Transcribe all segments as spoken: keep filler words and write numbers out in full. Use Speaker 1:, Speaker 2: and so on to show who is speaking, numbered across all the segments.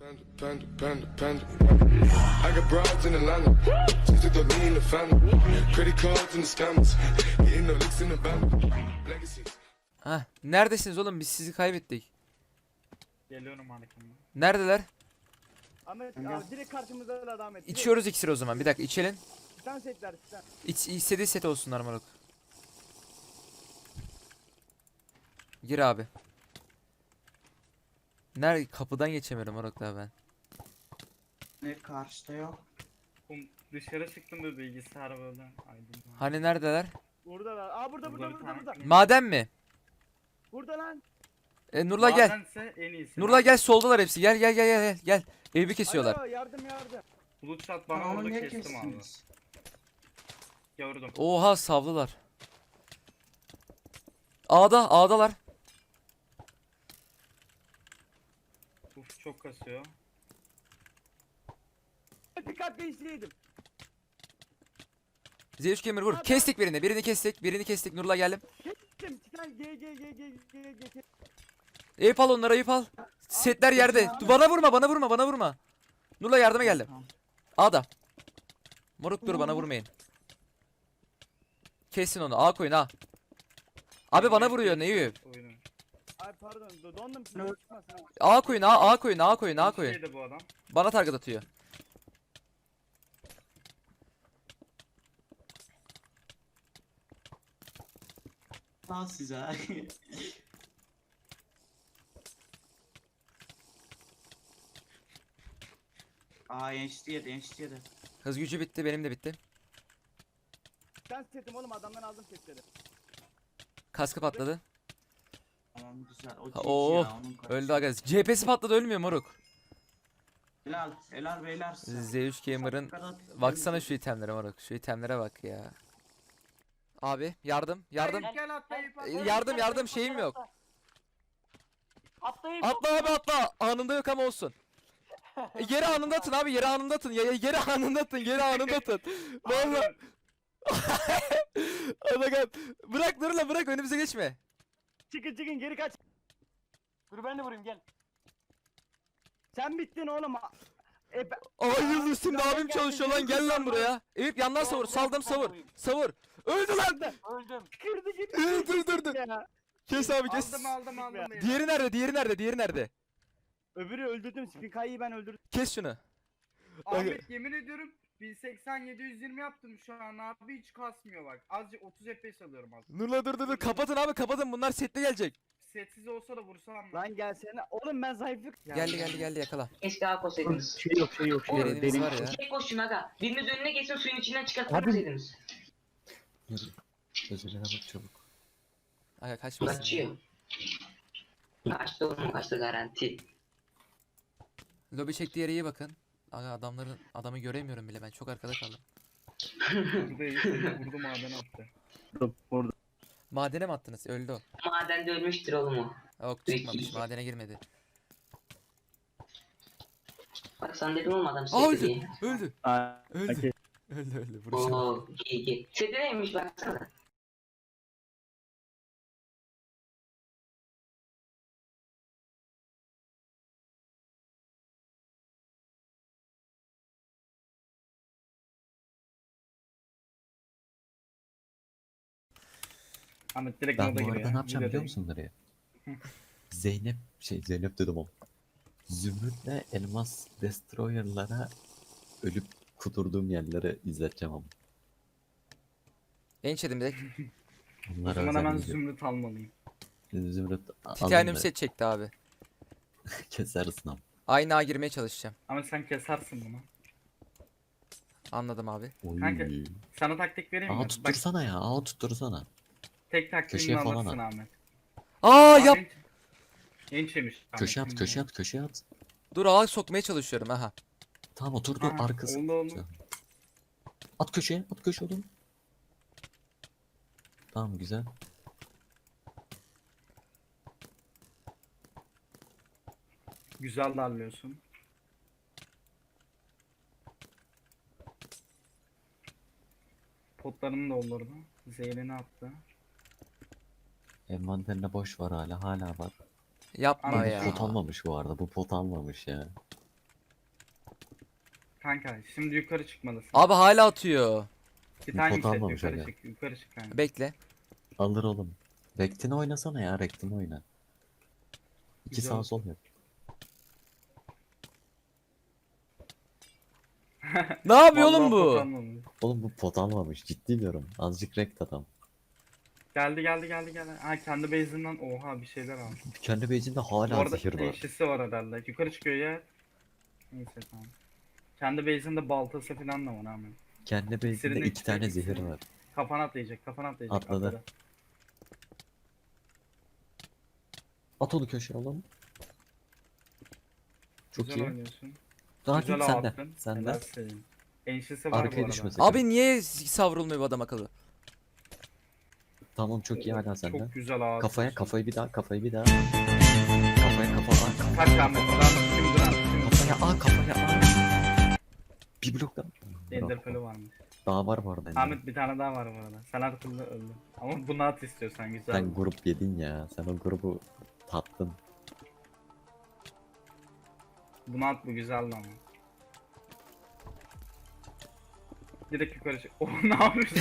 Speaker 1: Panda, panda, panda. I got broads in Atlanta. Just to throw me in the family. Credit cards and the scammers. Getting no licks in the band. Legacies.
Speaker 2: Hah, neredesiniz oğlum? Biz sizi kaybettik.
Speaker 3: Geliyorum arkamdan.
Speaker 2: Neredeler?
Speaker 4: Ahmet abi direkt karşımızda da Ahmet. Direkt.
Speaker 2: İçiyoruz iksir o zaman. Bir dakika içelim.
Speaker 4: Titan setler titan.
Speaker 2: İç, istediği set olsunlar moruk. Gir abi. Nerede? Kapıdan geçemiyorum moruk daha ben.
Speaker 5: Ne karşıda yok.
Speaker 3: Oğlum dışarı çıktım da bilgisayar böyle aydın.
Speaker 2: Hani neredeler?
Speaker 4: Buradalar. Aa burada burada
Speaker 3: Burada bir
Speaker 4: burada
Speaker 3: tane-
Speaker 4: burada.
Speaker 2: Maden mi?
Speaker 4: Burada lan.
Speaker 2: E, Nurla gel.
Speaker 3: Madense en iyisi.
Speaker 2: Nurla gel, soldalar hepsi. Gel gel gel gel gel. Evi kesiyorlar.
Speaker 4: Alo yardım yardım.
Speaker 3: Bulut shot bana
Speaker 5: Onu
Speaker 3: orada
Speaker 5: niye
Speaker 3: kestim abi.
Speaker 5: kestiniz?
Speaker 3: Gördüm.
Speaker 2: Oha savlılar. A'da, A'dalar.
Speaker 3: Uf çok kasıyor.
Speaker 4: Dikkat değiştireydim.
Speaker 2: Z üç Gamer vur. Kestik birini. Birini kestik. Birini kestik. Nurla geldim.
Speaker 4: Kestim. Titan G G G G G G G.
Speaker 2: Eyüp al onları, Eyüp al. Setler yerde. Bana vurma, bana vurma, bana vurma. Nurla yardıma geldim.
Speaker 5: Tamam.
Speaker 2: A'da. Moruk dur, bana vurmayın. Kesin onu. A koyun A. Abi bana vuruyor Eyüp.
Speaker 3: Oyunu.
Speaker 4: Ay pardon do- dondum şimdi çıkmasın ama.
Speaker 2: A koyun A, A koyun A koyun A koyun.
Speaker 3: Şeydi bu adam.
Speaker 2: Bana target atıyor.
Speaker 5: Lan size. Aa enişte yedi enişte yedi.
Speaker 2: Hız gücü bitti, benim de bitti.
Speaker 4: Titan setim oğlum adamdan aldım setleri.
Speaker 2: Kaskı patladı.
Speaker 5: Tamam güzel. O
Speaker 2: Ha,
Speaker 5: G G
Speaker 2: oo,
Speaker 5: ya, onun karısı.
Speaker 2: Öldü aga. C P'si patladı, ölmüyor moruk.
Speaker 5: Helal helal beyler.
Speaker 2: Z üç Gamer'ın baksana şu itemlere moruk. Şu itemlere bak ya. Abi yardım, yardım.
Speaker 3: Gel, gel atla Eyüp
Speaker 2: E,
Speaker 3: atla.
Speaker 2: Yardım yardım şeyim yok.
Speaker 6: Atlayın.
Speaker 2: Atla abi atla. Anında yok ama olsun. E, yere anında atın abi, yere anında atın. Ya, ya, yere anında atın, yere anında atın. Vallahi. Anakat. Bırak Nurla, bırak, önümüze geçme.
Speaker 4: Çıkın çıkın geri kaç.
Speaker 6: Dur ben de vurayım gel.
Speaker 4: Sen bittin oğlum. E, ben-
Speaker 2: Ay yıldız şimdi
Speaker 4: Gel,
Speaker 2: abim
Speaker 4: gel,
Speaker 2: çalışıyor lan,
Speaker 4: gel,
Speaker 2: gel lan
Speaker 4: gel,
Speaker 2: buraya. Eyüp yandan savur, saldım savur. Savur. Öldü lan.
Speaker 6: Öldüm.
Speaker 4: Kırdı gitti.
Speaker 2: Dur dur dur dur.
Speaker 4: Ya.
Speaker 2: Kes abi kes.
Speaker 3: Aldım aldım aldım. beyler.
Speaker 2: Diğeri nerede? Diğeri nerede? Diğeri nerede?
Speaker 4: Öbürü öldürdüm. Spikayı ben öldürdüm.
Speaker 2: Kes şunu.
Speaker 3: Ahmet yemin ediyorum bin seksen yedi yüz yirmi yaptım şu an abi hiç kasmıyor bak. Azıcık otuz F P S alıyorum az.
Speaker 2: Nurla dur dur dur. Kapatın abi, kapatın. Bunlar setli gelecek.
Speaker 3: Setsiz olsa da vursam mı?
Speaker 4: Lan gelsene. Oğlum ben zayıflık.
Speaker 2: Geldi geldi geldi, yakala.
Speaker 7: Keşke daha koysaydınız.
Speaker 4: Şey yok şey yok şey yok.
Speaker 2: Yeriniz
Speaker 4: Benim
Speaker 2: var ya.
Speaker 7: Tek koşun aga. Biriniz önüne geçsin suyun içinden çıkartmasaydınız.
Speaker 8: Özeline bak çabuk.
Speaker 2: Aga kaçmasın.
Speaker 7: Kaçıyor. Kaçtı oğlum kaçtı garanti.
Speaker 2: Lobi çektiği yere iyi bakın. Aga adamların adamı göremiyorum bile, ben çok arkada kaldım.
Speaker 3: Burada Eyüp vurdu maden attı.
Speaker 4: Orada.
Speaker 2: Madene mi attınız? Öldü o.
Speaker 7: Madende ölmüştür oğlum o.
Speaker 2: Yok çıkmamış, madene girmedi.
Speaker 7: Bak sen dedim oğlum adam
Speaker 2: Aa
Speaker 7: sevdi
Speaker 2: öldü.
Speaker 7: diye.
Speaker 2: Öldü.
Speaker 4: Aa,
Speaker 2: Öldü.
Speaker 4: okey.
Speaker 2: Öldü öldü. Vuruşa bak.
Speaker 7: Ooo iyi iyi. Sevdi neymiş baksana.
Speaker 3: Ahmet direkt
Speaker 8: Ben
Speaker 3: moda
Speaker 8: bu
Speaker 3: giriyor.
Speaker 8: arada ne yapacağım biliyor
Speaker 3: Videodayım.
Speaker 8: musun nereye? Zeynep şey Zeynep dedim oğlum. Zümrüt'le Elmas Destroyer'lara ölüp kuturduğum yerleri izleteceğim ama.
Speaker 2: Genç dedim direkt.
Speaker 3: O
Speaker 8: Onlara
Speaker 3: zaman
Speaker 8: özel
Speaker 3: hemen
Speaker 8: video.
Speaker 3: zümrüt almalıyım.
Speaker 8: Zümrüt
Speaker 2: Titanium
Speaker 8: alın
Speaker 2: set çekti abi.
Speaker 8: da kesersin ama.
Speaker 2: Aynı ağa girmeye çalışacağım.
Speaker 3: Ama sen kesersin bunu.
Speaker 2: Anladım abi.
Speaker 8: Oy.
Speaker 3: Kanka, Sana taktik vereyim mi?
Speaker 8: Aa
Speaker 3: Bak
Speaker 8: tuttursana ya. Aa tuttursana.
Speaker 3: tek taktiğini
Speaker 8: köşeye falan
Speaker 3: alırsın
Speaker 8: at.
Speaker 3: Ahmet.
Speaker 2: Aa
Speaker 3: Abi
Speaker 2: yap.
Speaker 3: en- Genç yemiş.
Speaker 8: Köşe at köşe at köşe at.
Speaker 2: Dur, ağa sokmaya çalışıyorum aha.
Speaker 8: Tamam oturdu
Speaker 3: Aha,
Speaker 8: arkası.
Speaker 3: oldu, oldu.
Speaker 8: At köşeye at köşe oğlum. Tamam güzel.
Speaker 3: Güzel darlıyorsun. Potlarını doldurdu. Zehrini attı.
Speaker 8: Envanterinde boş var hala hala var.
Speaker 2: Yapma
Speaker 3: Abi,
Speaker 8: Bu
Speaker 2: ya.
Speaker 8: pot almamış bu arada. Bu pot almamış ya.
Speaker 3: kanka. Şimdi yukarı çıkmalısın.
Speaker 2: Abi hala atıyor.
Speaker 3: Bir tane
Speaker 8: pot
Speaker 3: yükselt,
Speaker 8: almamış
Speaker 3: yukarı
Speaker 8: aga.
Speaker 3: çık, yukarı çık kanka.
Speaker 2: Bekle.
Speaker 8: Alır oğlum. Rektin'i oynasana ya, Rektin'i oyna. İki
Speaker 3: Güzel.
Speaker 8: sağ sol yap.
Speaker 2: Ne yapıyor
Speaker 3: Vallahi
Speaker 2: oğlum
Speaker 3: pot
Speaker 2: bu?
Speaker 3: almamış.
Speaker 8: Oğlum bu pot almamış, ciddi diyorum. Azıcık rekt adam.
Speaker 3: Geldi geldi geldi geldi. Ha kendi base'inden oha bir şeyler almış.
Speaker 8: Kendi base'inde
Speaker 3: Bu
Speaker 8: hala
Speaker 3: arada
Speaker 8: zehir var.
Speaker 3: eşisi var herhalde. Yukarı çıkıyor ya. Neyse tamam. Kendi base'inde baltası falan da var hemen.
Speaker 8: Kendi base'inde
Speaker 3: İksirini
Speaker 8: iki tane
Speaker 3: içecek,
Speaker 8: zehir
Speaker 3: iksirini.
Speaker 8: var.
Speaker 3: Kafana atlayacak, kafana atlayacak.
Speaker 8: Atladı. At onu köşeye oğlum. Çok
Speaker 3: Güzel
Speaker 8: iyi.
Speaker 3: oynuyorsun.
Speaker 8: Daha
Speaker 3: Güzel
Speaker 8: git sende.
Speaker 3: attın.
Speaker 8: Sende.
Speaker 3: Helal senin. Enşisi var bu
Speaker 8: Arkaya
Speaker 3: arada.
Speaker 8: düşmesin.
Speaker 2: Abi niye savrulmuyor bu adam akıllı?
Speaker 8: Tamam, çok iyi hala sende.
Speaker 3: Çok güzel ağır.
Speaker 8: Kafaya kafayı bir daha, kafayı bir daha. Kafaya kafa aa, kafa.
Speaker 3: Kaç Ahmet? Adam şimdi lan. Şimdi
Speaker 8: Kafaya aa, kafaya aa. Bir blok daha.
Speaker 3: Ender
Speaker 8: Bravo.
Speaker 3: Pearl'ü varmış.
Speaker 8: Daha var bu arada. Ender.
Speaker 3: Ahmet bir tane daha var bu arada. Sen her türlü öldün. Ama bunu at istiyorsan güzel.
Speaker 8: Sen grup yedin ya. Sen o grubu tattın.
Speaker 3: Bunu at bu güzeldi ama. Direkt yukarı çık. Oh ne yapıyorsun?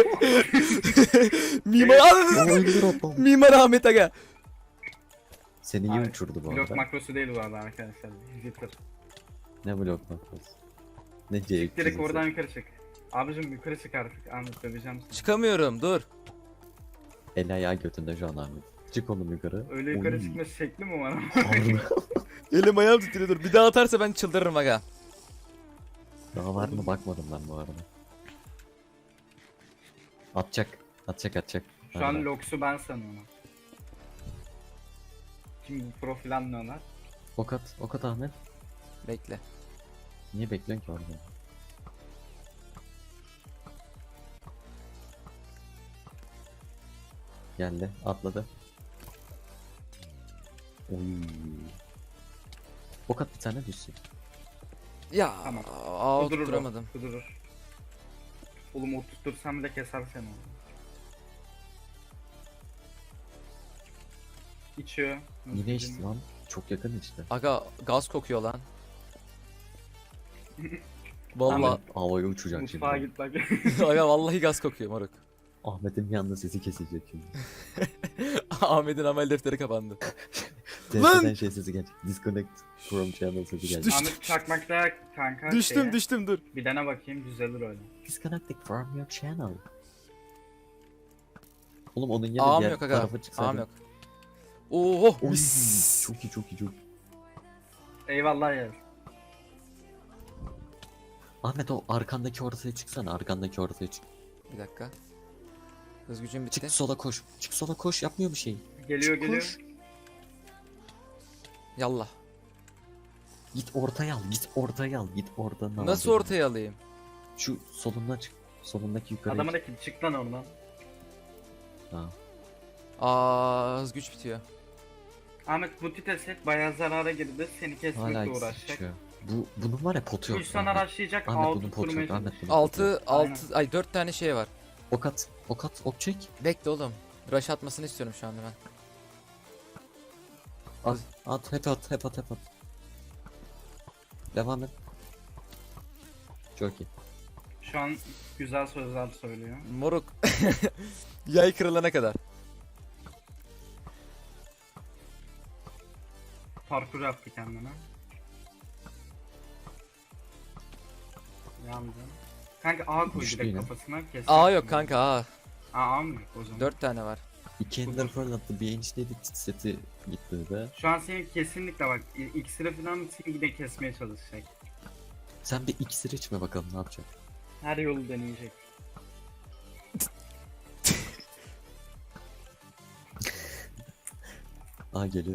Speaker 2: Mimar
Speaker 8: O öldür o.
Speaker 2: Mimar Ahmet Aga.
Speaker 8: Seni iyi
Speaker 3: Abi,
Speaker 8: uçurdu bu
Speaker 3: Blok
Speaker 8: arada.
Speaker 3: makrosu değil bu arada arkadaşlar. Jitter.
Speaker 8: Ne blok makrosu? Ne C üç yüz
Speaker 3: Direkt
Speaker 8: ise.
Speaker 3: oradan yukarı çık. Abicim yukarı çık artık. Ahmet döveceğim seni.
Speaker 2: Çıkamıyorum dur.
Speaker 8: El ayağı götünde şu an Ahmet. Çık oğlum yukarı.
Speaker 3: Öyle yukarı
Speaker 8: Oy.
Speaker 3: çıkma şekli mi var?
Speaker 8: Harbi.
Speaker 2: Elim ayağım titriyor dur. Bir daha atarsa ben çıldırırım aga.
Speaker 8: Daha var mı bakmadım ben bu arada. Atacak. Atacak atacak.
Speaker 3: Şu an
Speaker 8: Nerede?
Speaker 3: Lox'u ben sanıyorum. Kim profil anlıyorlar?
Speaker 8: Ok at. Ok at Ahmet.
Speaker 2: Bekle.
Speaker 8: Niye bekliyorsun ki orada? Geldi. Atladı. Oy. Ok at bir tane düşsün.
Speaker 2: Ya
Speaker 3: Tamam.
Speaker 2: aa
Speaker 3: Kudurur o,
Speaker 2: tutturamadım.
Speaker 3: Kudurur. Oğlum o tuttursam bile keser seni o. İçiyor.
Speaker 8: Yine içti lan. Çok yakın işte.
Speaker 2: Aga gaz kokuyor lan. Vallahi
Speaker 8: Ahmet havaya uçacak şimdi.
Speaker 3: Mutfağa git bak.
Speaker 2: aga vallahi gaz kokuyor moruk.
Speaker 8: Ahmet'in bir anda sesi kesilecek şimdi.
Speaker 2: Ahmet'in amel defteri kapandı.
Speaker 8: Testeden şey sesi gelecek. Disconnect from channel sesi gelecek.
Speaker 2: Düş-
Speaker 3: Ahmet çakmakta kanka
Speaker 2: Düştüm
Speaker 3: şeye.
Speaker 2: düştüm dur.
Speaker 3: Bir dene bakayım düzelir öyle.
Speaker 8: Disconnected from your channel. Oğlum onun yerine
Speaker 2: Ağam
Speaker 8: diğer
Speaker 2: yok aga.
Speaker 8: tarafa çıksaydın.
Speaker 2: Ağam yok. Oho
Speaker 8: Oy,
Speaker 2: mis.
Speaker 8: çok iyi çok iyi çok iyi.
Speaker 3: Eyvallah ya.
Speaker 8: Ahmet o arkandaki ortaya çıksana, arkandaki ortaya çık.
Speaker 2: Bir dakika. Hız gücüm bitti.
Speaker 8: Çık sola koş. Çık sola koş, yapmıyor bir şey.
Speaker 3: Geliyor
Speaker 8: Çık,
Speaker 3: geliyor.
Speaker 8: koş.
Speaker 2: Yallah.
Speaker 8: Git ortaya al, git ortaya al, git oradan al.
Speaker 2: Nasıl ortaya alayım?
Speaker 8: Şu solundan çık. Solundaki yukarı.
Speaker 3: Adamın da ki çık lan oradan.
Speaker 8: Ha.
Speaker 2: Aa hız güç bitiyor.
Speaker 3: Ahmet bu tite set bayağı zarara girdi. Seni
Speaker 8: Hala
Speaker 3: kesmekle
Speaker 8: ikisi
Speaker 3: uğraşacak.
Speaker 8: düşüyor. Bu bunun var ya potu yok.
Speaker 3: üç tane
Speaker 8: Ahmet.
Speaker 3: araçlayacak.
Speaker 8: Ahmet
Speaker 3: altı
Speaker 8: bunun potu
Speaker 3: tutturmaya
Speaker 8: yok. Ahmet
Speaker 3: çalışacak.
Speaker 8: bunun potu yok.
Speaker 2: altı altı ay dört tane şey var.
Speaker 8: Ok at, ok at, ok çek.
Speaker 2: Bekle oğlum. Rush atmasını istiyorum şu anda ben.
Speaker 8: At, at, hep at, hep at, hep at. Devam et. Çok iyi.
Speaker 3: Şu an güzel sözler söylüyor.
Speaker 2: Moruk. Yay kırılana kadar.
Speaker 3: Parkur yaptı kendine. Yandı. Kanka A koy
Speaker 8: Düştü
Speaker 3: direkt
Speaker 8: yine.
Speaker 3: kafasına kes.
Speaker 2: Aa yok kanka aa.
Speaker 3: Aa A mı yok o zaman?
Speaker 2: dört tane var.
Speaker 8: İki ender fırlattı, bir enişteydi seti gitti de.
Speaker 3: Şu an senin kesinlikle bak i- iksiri falan seni yine kesmeye çalışacak.
Speaker 8: Sen bir iksir içme bakalım ne yapacak.
Speaker 3: Her yolu deneyecek.
Speaker 8: Aa geliyor.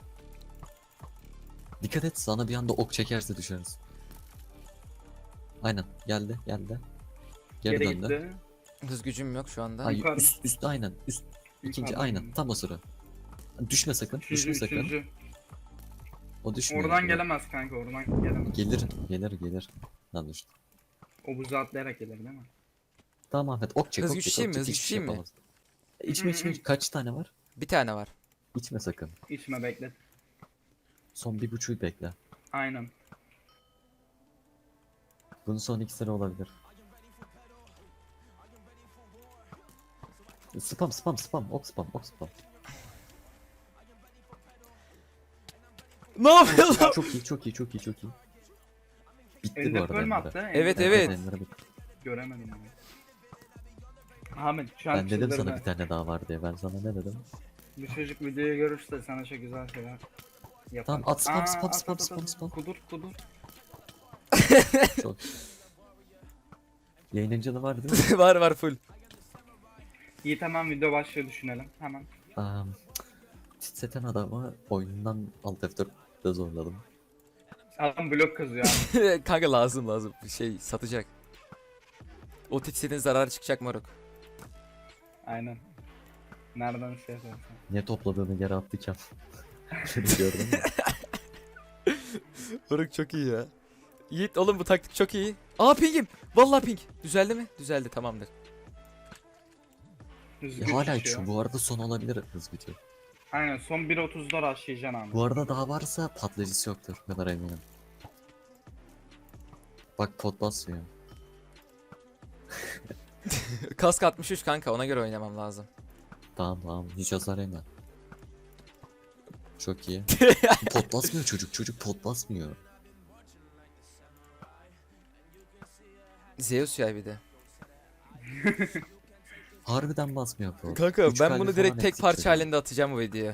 Speaker 8: Dikkat et, sana bir anda ok çekerse düşersin. Aynen geldi geldi. Geri,
Speaker 3: Geri
Speaker 8: döndü.
Speaker 3: gitti.
Speaker 2: Hız gücüm yok şu anda.
Speaker 8: Ay
Speaker 3: Yukarı.
Speaker 8: üst üst aynen üst ikinci
Speaker 3: Yukarıdan
Speaker 8: aynen
Speaker 3: döndü.
Speaker 8: tam o sıra. Düşme sakın,
Speaker 3: Üçüncü,
Speaker 8: düşme sakın.
Speaker 3: üçüncü.
Speaker 8: O düşmüyor.
Speaker 3: Oradan
Speaker 8: ya.
Speaker 3: gelemez kanka oradan gelemez.
Speaker 8: Gelir, gelir, gelir. Lan düştü.
Speaker 3: O buzu atlayarak gelir değil mi?
Speaker 8: Tamam Ahmet ok çek,
Speaker 2: Hız
Speaker 8: ok çek,
Speaker 2: güçlüyüm
Speaker 8: ok
Speaker 2: mi,
Speaker 8: çek,
Speaker 2: hız
Speaker 8: hiçbir şey
Speaker 2: güçlüyüm mi?
Speaker 8: yapamaz. İçme içme, kaç tane var?
Speaker 2: Bir tane var.
Speaker 8: İçme sakın.
Speaker 3: İçme beklet.
Speaker 8: Son bir buçuğu bekle.
Speaker 3: Aynen.
Speaker 8: Bunun son ikisi olabilir. Spam spam spam ok spam ok spam.
Speaker 2: Ne yapıyorsun?
Speaker 8: Çok iyi çok iyi çok iyi çok iyi. Bitti bu
Speaker 3: Ender
Speaker 8: arada.
Speaker 3: Pearl mi
Speaker 8: Ender'e.
Speaker 3: attı?
Speaker 2: Evet,
Speaker 3: Ender-
Speaker 2: evet.
Speaker 8: Ender'e bitti.
Speaker 3: Göremedim onu. Ahmet şu an
Speaker 8: Ben dedim sana
Speaker 3: çıldırdı.
Speaker 8: bir tane daha var diye. Ben sana ne dedim?
Speaker 3: Bu çocuk videoyu görürse sana çok güzel şeyler yapar.
Speaker 8: Tamam, at, spam,
Speaker 3: Aa,
Speaker 8: spam,
Speaker 3: at,
Speaker 8: spam,
Speaker 3: at, at,
Speaker 8: spam,
Speaker 3: at.
Speaker 8: spam.
Speaker 3: Kudur kudur.
Speaker 8: Çok. Yayınıncı var değil mi?
Speaker 2: var var full.
Speaker 3: Yiğit hemen video başlıyor düşünelim. Hemen.
Speaker 8: Um, Titreten adamı oyundan Alt F dörtte zorladım.
Speaker 3: Adam blok kazıyor abi.
Speaker 2: Kanka lazım lazım. Bir şey satacak. O titsetin zararı çıkacak moruk.
Speaker 3: Aynen. Nereden şey yaparsın?
Speaker 8: Ne topladığını yere attı Kem. Gördün mü?
Speaker 2: Moruk çok iyi ya. Yiğit oğlum bu taktik çok iyi. Aa pingim. Vallahi ping. Düzeldi mi? Düzeldi tamamdır.
Speaker 3: Düzgün
Speaker 8: Ya hala
Speaker 3: şişiyor.
Speaker 8: şu bu arada son olabilir hız bitiyor.
Speaker 3: Aynen son bir otuzda rushlayacaksın abi.
Speaker 8: Bu arada daha varsa patlayıcısı yoktur. Bu kadar eminim. Bak pot basmıyor.
Speaker 2: Kask altmış üç kanka ona göre oynamam lazım.
Speaker 8: Tamam tamam hiç hasar yeme. Çok iyi. Pot basmıyor çocuk çocuk pot basmıyor.
Speaker 2: Zeus ya bir de.
Speaker 8: Harbiden basmıyor pot.
Speaker 2: Kanka
Speaker 8: Üç
Speaker 2: ben
Speaker 8: kalbi
Speaker 2: bunu
Speaker 8: falan
Speaker 2: direkt tek
Speaker 8: eksik
Speaker 2: parça
Speaker 8: çocuğun.
Speaker 2: halinde atacağım bu videoya.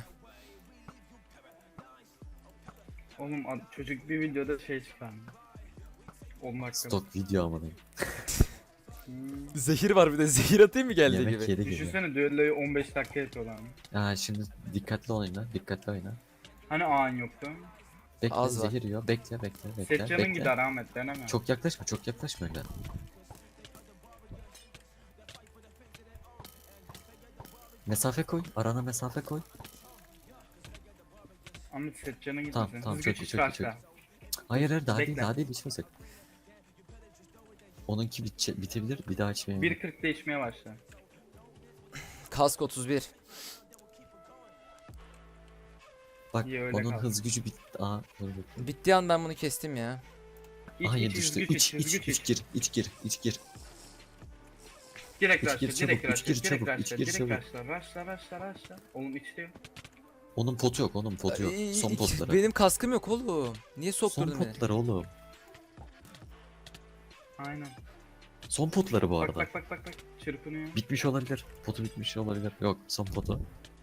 Speaker 3: Oğlum ad- çocuk bir videoda şey çıkardı. on dakikada.
Speaker 8: Stok video ama değil.
Speaker 3: Hmm.
Speaker 2: Zehir var bir de zehir atayım mı geldiği
Speaker 8: Yemek
Speaker 2: gibi.
Speaker 8: yeri gibi.
Speaker 3: Düşünsene düelloyu on beş dakika yapıyorlar mı?
Speaker 8: Ha şimdi dikkatli oyna, dikkatli oyna.
Speaker 3: Hani ağın yoktu?
Speaker 8: Bekle
Speaker 2: Az var.
Speaker 8: zehir yiyor, bekle bekle bekle.
Speaker 3: Set canın
Speaker 8: bekle.
Speaker 3: gider Ahmet deneme.
Speaker 8: Çok yaklaşma, çok yaklaşma öyle. Mesafe koy, arana mesafe koy.
Speaker 3: Ahmet set canın gitmesin.
Speaker 8: Tamam, tamam,
Speaker 3: Hız
Speaker 8: çok
Speaker 3: güç
Speaker 8: iyi,
Speaker 3: hiç
Speaker 8: çok iyi,
Speaker 3: başla.
Speaker 8: çok Hayır hayır daha değil,
Speaker 3: Bekle.
Speaker 8: daha değil içmesek. Onunki bitçe, bitebilir, bir daha içmeyelim.
Speaker 3: bir kırkta içmeye başla.
Speaker 2: Kask otuz bir.
Speaker 8: Bak
Speaker 3: İyi, öyle
Speaker 8: onun
Speaker 3: kal.
Speaker 8: hız gücü bitti. Aa, dur dur.
Speaker 2: Bittiği an ben bunu kestim ya.
Speaker 3: İç,
Speaker 8: Hayır
Speaker 3: iç, hız
Speaker 8: düştü.
Speaker 3: güç
Speaker 8: İç,
Speaker 3: iç, hız
Speaker 8: iç,
Speaker 3: güç
Speaker 8: iç,
Speaker 3: iç.
Speaker 8: gir, iç gir, iç gir.
Speaker 3: Direkt
Speaker 8: iç
Speaker 3: rushla,
Speaker 8: gir, çabuk,
Speaker 3: direkt
Speaker 8: iç
Speaker 3: rushla,
Speaker 8: gir,
Speaker 3: direkt
Speaker 8: çabuk, iç
Speaker 3: rushla,
Speaker 8: gir,
Speaker 3: direkt
Speaker 8: çabuk.
Speaker 3: rushla, rushla, rushla, rushla. Oğlum içti.
Speaker 8: Onun potu yok, onun potu yok.
Speaker 2: Ay,
Speaker 8: Son
Speaker 2: iki-
Speaker 8: potları.
Speaker 2: Benim kaskım yok oğlum. Niye
Speaker 8: Son
Speaker 2: sokturdun beni?
Speaker 8: potları oğlum.
Speaker 3: Aynen.
Speaker 8: Son potları bu
Speaker 3: Bak
Speaker 8: arada.
Speaker 3: bak bak bak bak. Çırpınıyor.
Speaker 8: Bitmiş olabilir. Potu bitmiş olabilir. Yok, son potu.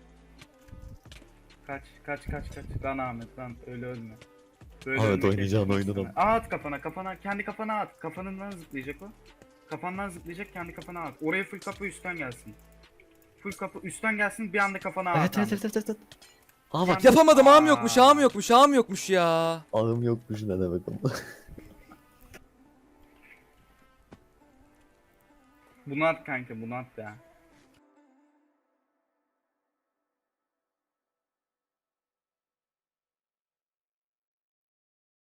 Speaker 3: Kaç kaç kaç kaç. Lan Ahmet lan öyle ölme. Böyle
Speaker 8: Ahmet,
Speaker 3: ölmek
Speaker 8: oynayacağın
Speaker 3: gerekiyor
Speaker 8: oyunu da-
Speaker 3: sana. Aa, at kafana kafana kendi kafana at. Kafanından zıplayacak o. Kafandan zıplayacak kendi kafana at. Oraya full kapı üstten gelsin. Full kapı üstten gelsin bir anda kafana at.
Speaker 8: Evet evet
Speaker 3: Ahmet.
Speaker 8: evet evet. evet. Aa bak
Speaker 2: Yapamadım ağım
Speaker 3: Aa.
Speaker 2: yokmuş ağım yokmuş ağım yokmuş ya.
Speaker 8: ağım yokmuş ne demek ama.
Speaker 3: Bunu at kanka bunu at ya.